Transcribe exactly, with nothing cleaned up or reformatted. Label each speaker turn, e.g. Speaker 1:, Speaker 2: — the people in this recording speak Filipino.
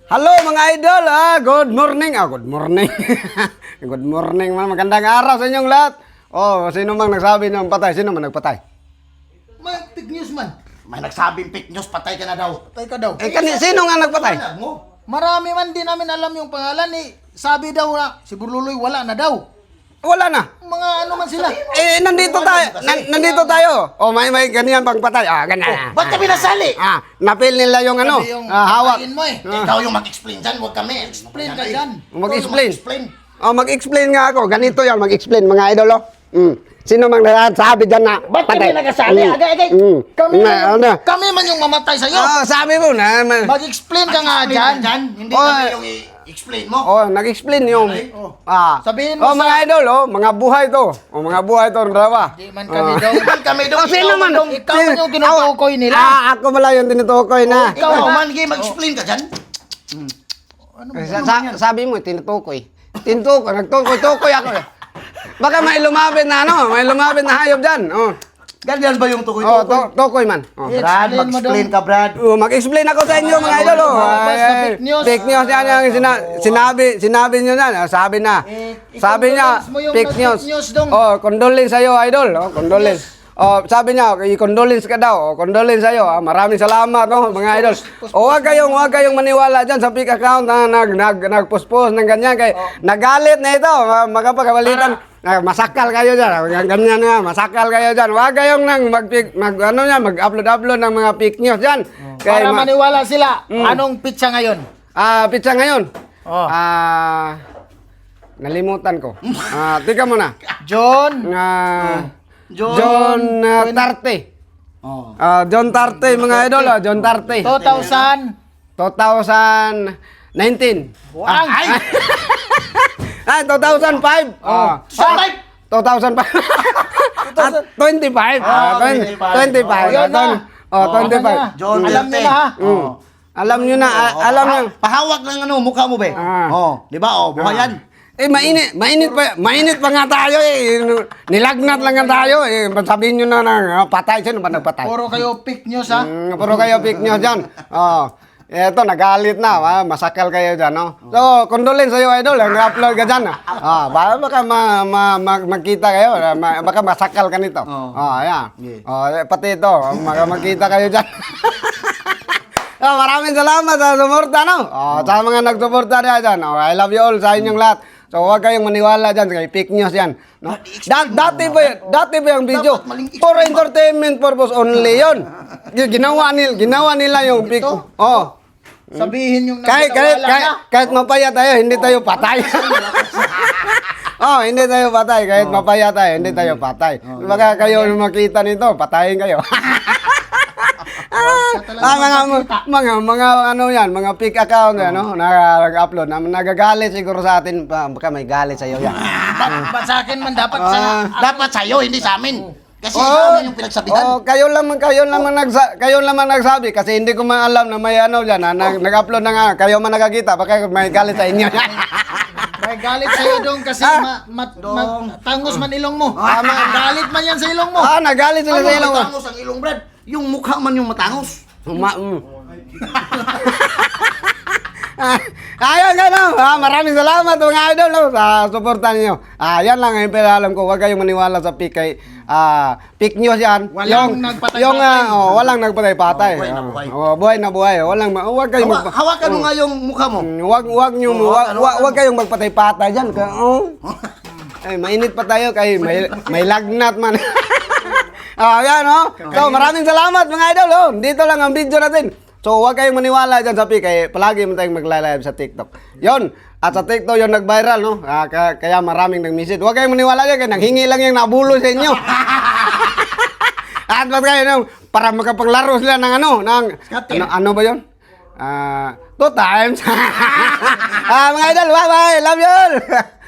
Speaker 1: Hello mga idol, ah, good morning. Ah, good morning. Good morning, man. Magandang araw sa inyong lahat. Oh, sino mang nagsabi ng patay? Sino man nagpatay?
Speaker 2: May fake news man.
Speaker 3: May nagsabing fake news, patay ka na daw.
Speaker 2: Patay ka daw.
Speaker 1: Eh, kani, sino nga nagpatay?
Speaker 3: Wala mo.
Speaker 2: Marami man din namin alam yung pangalan eh. Sabi daw na si Burluloy wala na daw.
Speaker 1: Wala na.
Speaker 2: Mga ano man sila.
Speaker 1: Eh, nandito tayo. Nan- nandito tayo. Oh, may may ganyan pang patay. Ah, ganyan.
Speaker 3: Ba't kami nasali?
Speaker 1: Ah, napil nila yung ano,
Speaker 2: Sabi yung
Speaker 1: ah, hawak.
Speaker 2: patayin mo eh.
Speaker 3: Ikaw yung mag-explain dyan, huwag kami.
Speaker 2: Explain ka dyan.
Speaker 1: Mag-explain.
Speaker 3: Explain.
Speaker 1: Oh, mag-explain nga ako. Ganito yan, mag-explain mga idol. Oh. Mm. Sino mang nagsasabi dyan na
Speaker 3: Ba't kami nagkasali?
Speaker 1: Mm.
Speaker 3: Agay-agay.
Speaker 1: Mm.
Speaker 2: Kami,
Speaker 1: Na,
Speaker 2: man,
Speaker 1: ano?
Speaker 2: kami man yung mamatay sa'yo.
Speaker 1: Oh, sabi mo na. ma-
Speaker 2: Mag-explain ka nga
Speaker 3: Explain
Speaker 2: dyan.
Speaker 3: ka dyan. Hindi
Speaker 1: Oh,
Speaker 3: kami yung i-explain mo.
Speaker 1: Oh, nag-explain yung
Speaker 2: Oh.
Speaker 1: ah.
Speaker 2: Sabihin mo
Speaker 1: oh, mga
Speaker 2: sa-
Speaker 1: idol, oh, mga buhay to. Oh, mga buhay to, dalawa.
Speaker 2: Di man kami
Speaker 1: Oh.
Speaker 2: daw.
Speaker 3: Ba't kami daw?
Speaker 1: Oh, sino
Speaker 3: ikaw
Speaker 1: man?
Speaker 3: daw.
Speaker 2: Ikaw man yung tinutukoy nila.
Speaker 1: Ah, ako pala yung tinutukoy na.
Speaker 3: Ikaw man, Gi, mag-explain ka dyan.
Speaker 2: Ano
Speaker 1: Eh, sa, sa- sabi mo, tinutukoy. Tinutukoy, nagtukoy-tukoy ako. eh. Baka may lumapit na ano, may lumapit na hayop dyan. Oh,
Speaker 3: Ganyan ba yung
Speaker 1: oh
Speaker 3: tukoy-tukoy?
Speaker 1: to- tukoy man. Oh.
Speaker 3: Brad,
Speaker 2: Explain mo
Speaker 3: mag-explain
Speaker 2: daw.
Speaker 3: ka, Brad.
Speaker 1: Oh, mag-explain ako sa inyo mga idol. Oh.
Speaker 2: Basta
Speaker 1: Ay, ay,
Speaker 2: fake news.
Speaker 1: Fake news yan yung sina- sinabi, sinabi nyo na. Ah, Sabi na.
Speaker 2: Eh,
Speaker 1: Sabi niya,
Speaker 2: i-condolence mo yung
Speaker 1: fake
Speaker 2: nag-fake
Speaker 1: news.
Speaker 2: news dong.
Speaker 1: Oh, condolence sa'yo idol. Oh, condolence. Oh, sabi niya, i-condolence ka daw. Oh, condolence sa'yo. Ah, maraming salamat, no, mga idol. O, wag kayong, wag kayong maniwala dyan sa fake account na nag, nag, nag-post-post ng ganyan. Kay, nagalit na ito. Ah, Magkapagabalitan. Ah, masakal kayo dyan. Ah, Ganyan nga, masakal kayo dyan. Wag kayong nang mag, mag ano yan, mag-upload-upload ng mga fake news dyan. Kay,
Speaker 2: Para
Speaker 1: ma-
Speaker 2: maniwala sila. Anong pizza ngayon?
Speaker 1: Ah, pizza ngayon.
Speaker 2: Oh.
Speaker 1: Ah, nalimutan ko. Ah, tika mo na.
Speaker 2: John.
Speaker 1: Ah,
Speaker 3: John.
Speaker 1: John ah, Tarte.
Speaker 3: Oh.
Speaker 1: Ah, John Tarte mga idol, ah, John Tarte.
Speaker 2: two thousand.
Speaker 1: two thousand nineteen.
Speaker 2: Buang.
Speaker 3: Ay!
Speaker 1: Ah, two thousand five. Ah,
Speaker 3: Sa type!
Speaker 1: two thousand five. Ah, twenty-five. Ah,
Speaker 3: Ah,
Speaker 1: twenty-five.
Speaker 3: twenty-five.
Speaker 2: Oh, yun na.
Speaker 1: Oh, twenty-five.
Speaker 3: John
Speaker 2: Alam
Speaker 3: Duterte.
Speaker 2: nila ha.
Speaker 1: Mm. Alam nyo na, ah, alam nyo.
Speaker 3: Pahawak ng ano, mukha mo, be.
Speaker 1: Ah.
Speaker 3: Oh, di ba? Oh, buhay yan.
Speaker 1: Eh, mainit, mainit pa, mainit pa nga tayo eh. Nilagnat lang nga tayo eh. Sabihin nyo na na ah, patay. Sino ba nagpatay?
Speaker 2: Puro kayo fake news ha.
Speaker 1: Mm, puro kayo fake news dyan. Oh. Eto, nagalit na. Ah, masakal kayo dyan, no? So, condolence sa'yo, idol. Nag-upload ka dyan. Ah, baka, baka ma, ma, ma- magkita kayo. ah, Ma, baka masakal ka nito.
Speaker 3: Oo.
Speaker 1: Oh, ayan.
Speaker 3: Yeah.
Speaker 1: Oh, eh, pati ito. Baka magkita kayo dyan. Oh, maraming salamat sa suporta, no? Oh, sa mga nagsuporta na dyan. Oh, I love you all sa inyong lahat. So, huwag kayong maniwala dyan. Kay fake news yan. No? Da- dati ba yun? Dati ba yung video?
Speaker 3: Dapat maling
Speaker 1: For entertainment purpose only yun. Yung Ginawa nila, ginawa nila yung fake. Oh.
Speaker 2: Sabihin yung
Speaker 1: Kahit, kahit,
Speaker 2: nagkawala
Speaker 1: kahit,
Speaker 2: na.
Speaker 1: kahit mapaya tayo, hindi tayo patay. Oh, hindi tayo patay. Kahit mapaya tayo, hindi tayo patay. Baka kayo makita nito, patayin kayo. Ah, mga, mga, mga, ano yan, mga fake account, ano, nag-upload, na nagagalit siguro sa atin, pa- baka may galit sa'yo yan.
Speaker 2: Ba, ba sa akin man dapat sa
Speaker 1: Ah.
Speaker 3: Dapat sa'yo, hindi sa amin. Kasi
Speaker 1: Oh.
Speaker 3: ikaw na yung pinagsabihan.
Speaker 1: Oh, kayo lang kayo naman nagsa, kayo naman nagsabi kasi hindi ko man alam na may ano diyan, na, nag, nag-upload na nga, kayo man nakakita, baka may galit sa inyo.
Speaker 2: may galit sa'yo dong kasi
Speaker 1: Ah.
Speaker 2: ma, ma, ma- tangos man ilong mo.
Speaker 1: Ah, ma-
Speaker 2: galit man yan sa ilong mo.
Speaker 1: Ah, nagalit sila
Speaker 3: Ano
Speaker 1: sa ilong.
Speaker 3: matangos ang ilong, Brad? Yung mukha man yung matangos.
Speaker 1: Ma mm. Ah, ayun, gano'n. Ah, maraming salamat mga idol no, sa suporta niyo. Ah, yan lang ang alam ko. Huwag kayong maniwala sa fake kay ah, fake news yan.
Speaker 2: Walang
Speaker 1: yung,
Speaker 2: nagpatay-patay.
Speaker 1: Yung ah, oh, walang nagpatay-patay.
Speaker 3: Oh, buhay na
Speaker 1: Ah,
Speaker 3: buhay.
Speaker 1: oh, buhay na buhay. Walang ma- huwag kayong
Speaker 3: Hawa,
Speaker 1: magpa-
Speaker 3: hawakan mo nga yung mukha mo.
Speaker 1: Mm, Wag wag niyo
Speaker 3: Oo,
Speaker 1: wag,
Speaker 3: ano,
Speaker 1: wag,
Speaker 3: ano?
Speaker 1: wag kayong magpatay-patay diyan ka. Oh. Ay, mainit pa tayo kay may may lagnat man. Ah, yan oh. So, maraming salamat mga idol. Oh. Dito lang ang video natin. So, wag kayong maniwala diyan sa P kay palagi mo tayong magla-live sa TikTok. 'Yon. At sa TikTok 'yon nag-viral no. Ah, ka- kaya maraming nag-message. Wag kayong maniwala diyan kay nanghingi lang yung nabulo sa inyo. At wag kayo no, para makapaglaro sila ng ano, ng ano, ano ba 'yon? Ah, two times. Ah, mga idol, bye-bye. Love you all.